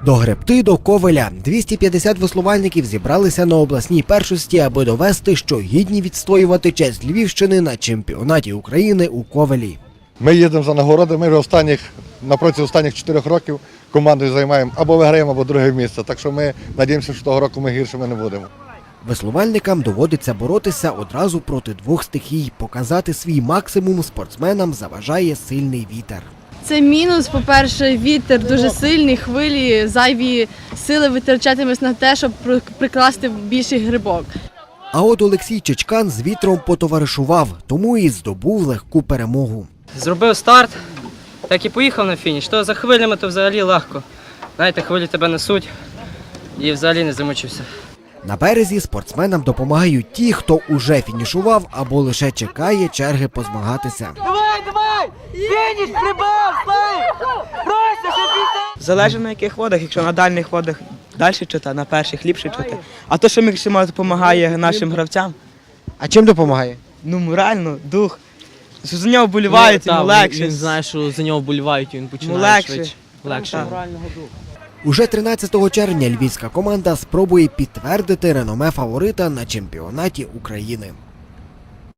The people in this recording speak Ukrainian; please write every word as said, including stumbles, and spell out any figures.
До Гребти, до Ковеля. двісті п'ятдесят веслувальників зібралися на обласній першості, аби довести, що гідні відстоювати честь Львівщини на чемпіонаті України у Ковелі. Ми їдемо за нагороди, ми вже останніх, напроти останніх чотирьох років командою займаємо або виграємо, або друге місце. Так що ми сподіваємося, що того року ми гіршими не будемо. Веслувальникам доводиться боротися одразу проти двох стихій. Показати свій максимум спортсменам заважає сильний вітер. Це мінус, по-перше, вітер дуже сильний, хвилі, зайві сили витрачатимеш на те, щоб прикласти більший грибок. А от Олексій Чичкан з вітром потоваришував, тому і здобув легку перемогу. Зробив старт, так і поїхав на фініш. То за хвилями то взагалі легко. Знаєте, хвилі тебе несуть і взагалі не замучився. На березі спортсменам допомагають ті, хто уже фінішував або лише чекає черги позмагатися. Давай, давай! Фініш, прибав, слайд! Просто, щоб піти! Залежить на яких водах, якщо на дальніх водах далі чути, на перших ліпше чути. А то, що максимально допомагає нашим гравцям, А чим допомагає? ну морально, дух. Що за нього вболівають, йому легше. Він знає, що за нього вболівають, і він починає легше. швидше. Легше. Уже тринадцятого червня львівська команда спробує підтвердити реноме фаворита на чемпіонаті України.